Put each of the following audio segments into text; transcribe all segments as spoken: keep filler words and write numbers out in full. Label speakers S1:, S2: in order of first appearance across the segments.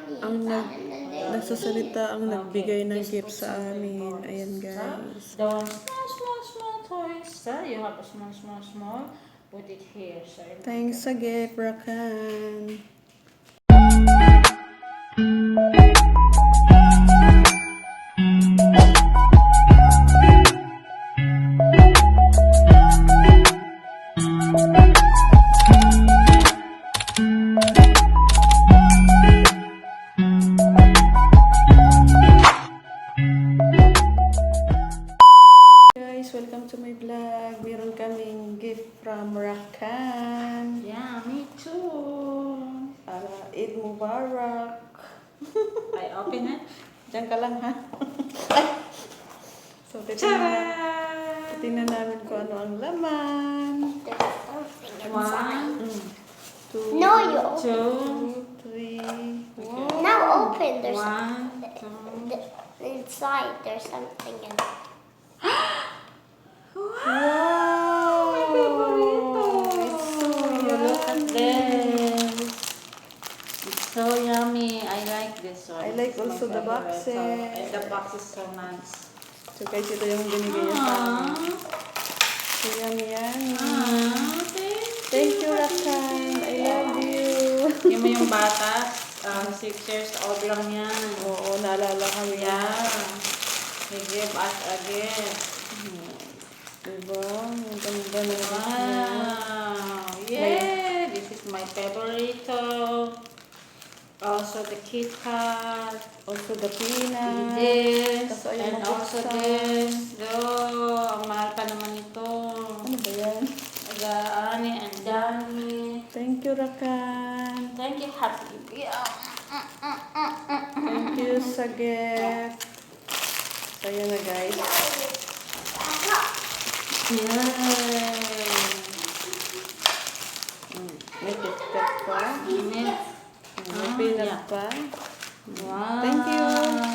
S1: ang nag nagsasalita, ang nagbigay ng gift sa amin. Ayan, guys.
S2: The one small, small, small toys. So you have a small, small, small. Put it here. So
S1: Thanks sa gift, Rakan. Welcome to my vlog. Meron kaming gift from Rakan.
S2: Yeah, me too.
S1: Para Eid Mubarak.
S2: I open it.
S1: Diyan ka lang, ha? Ay! So, titignan,
S2: Ta-da!
S1: titignan namin kung ano ang laman.
S3: There's something
S2: One,
S3: inside.
S1: Mm. Two,
S3: No, you open.
S2: two,
S1: three,
S2: Okay.
S3: Now open. There's
S2: one,
S3: the-
S2: two.
S3: the- inside. There's something in.
S1: wow!
S2: My favorito.
S1: It's so
S2: Look at
S1: yummy.
S2: this. It's so yummy. I like this one.
S1: I like
S2: It's my
S1: also the
S2: favorite.
S1: boxes.
S2: So, and the box is so nice.
S1: So, guys, ito yung binigay niya sa amin.
S2: Aww.
S1: So, yummy, yummy.
S2: Aww.
S1: Thank you, Rakan. I love you.
S2: Yung mo yung bata, um, six years old lang yan.
S1: Oo, naalala kami.
S2: Yeah. He gave us a gift.
S1: Diba? Ang ganda na gift niya.
S2: Wow. Yeah. This is my favorito. Also the Kit Kat.
S1: Also the peanut.
S2: This.
S1: Tapos ayaw
S2: And also
S1: mabuksan.
S2: this. Oh, ang mahal pa naman ito.
S1: Ano ba yan?
S2: Agaani and Dani.
S1: Thank you, Rakan.
S2: Thank you, Happy. Yeah.
S1: Thank you sa gift. So, yun na, guys.
S2: Yeah.
S1: Mm, may KitKat pa.
S2: Init.
S1: Mm, May
S2: Ah,
S1: peanut
S2: yeah.
S1: pa.
S2: Wow.
S1: Thank you.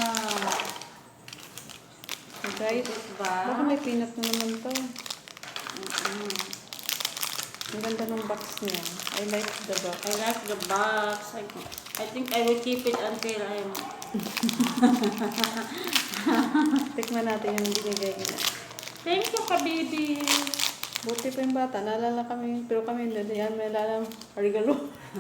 S1: So, guys,
S2: Diba?
S1: baka may peanut na naman to.
S2: Mm-mm.
S1: Ang ganda ng box niya. I like the box.
S2: I like the box. I, I think I will keep it until I'm...
S1: Tikman natin yung binigay niya.
S2: Thank you, ka-baby.
S1: Buti pa yung bata. Naalala kami, pero kami hindi. Yan, may naalala regalo.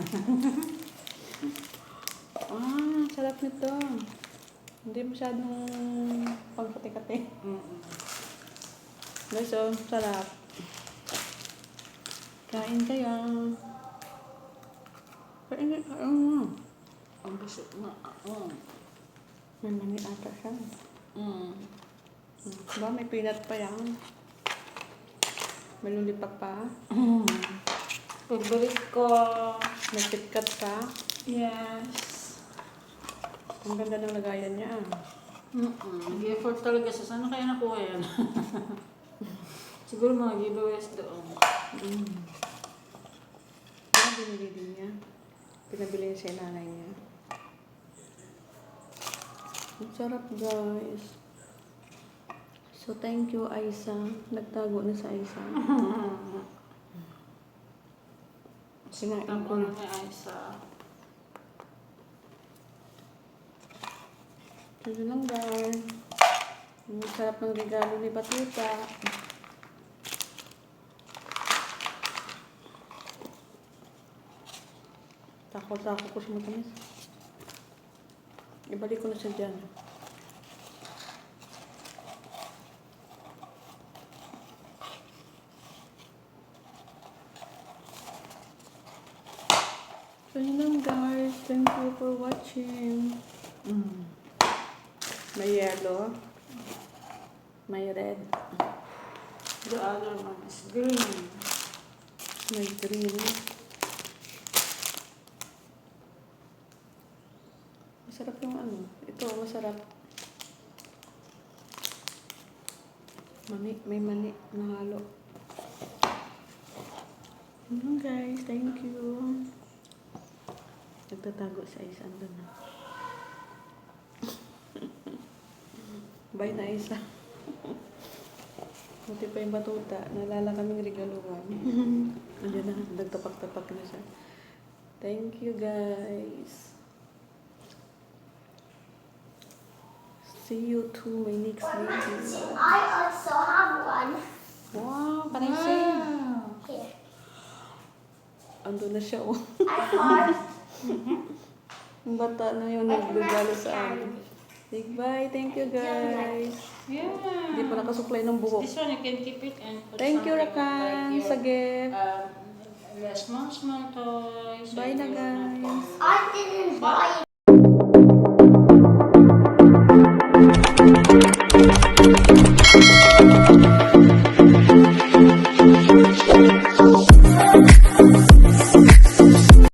S1: Ah, sarap nito. Hindi masyadong pangkati-kati.
S2: Mm-mm.
S1: Guys, so, sarap. Kain kayo. Kain kayo. Mm.
S2: Ang busog na. Oh.
S1: May mani ata siya.
S2: Mm.
S1: Diba, may peanut pa yan. May lulipak pa.
S2: Mm. Favorite ko.
S1: May KitKat pa.
S2: Yes.
S1: Ang ganda ng lagayan niya.
S2: Mm-mm. Nag-effort talaga siya. Saan na kaya nakuha yan? Siguro mga giveaways doon.
S1: Mm. Ano binili din niya? Pinabili niya sa nanay niya. Ang sarap, guys. So, thank you, Aisa. Nagtago na sa Aisa. Sinain ko
S2: Tama
S1: na.
S2: na kay Aisa.
S1: Ito lang, guys. Ang sarap ng regalo ni Batuta. Takot-takot ko sa matamis. Ibalik ko na siya dyan. So yun lang, guys. Thank you for watching. Mm. May yellow. May red.
S2: The other one is green.
S1: May green. Masarap yung ano. Ito, masarap. Mani, may mani na halo. Yun, guys. Thank you. Nagtatago sa isa. Andun na. Bye na isa. Buti pa yung Batuta. Nalala kaming regaluhan. Andiyan na. Nagtapak-tapak na siya. Thank you, guys. See you to my next video.
S3: I also have one.
S1: Wow, can I see?
S2: Wow.
S3: Here.
S1: Ando na siya, oh.
S3: I thought
S1: Yung bata na yun, nagbibalo sa amin. Big bye. Thank you, guys.
S2: Yeah.
S1: Hindi pa nakasuklay ng buhok.
S2: This one you can keep it and put
S1: Thank you,
S2: something
S1: Rakan,
S2: like
S1: sa
S2: your,
S1: gift.
S2: um, the small, small toys.
S1: Bye
S2: and
S1: na,
S2: your
S1: guys.
S2: notebook.
S3: I didn't buy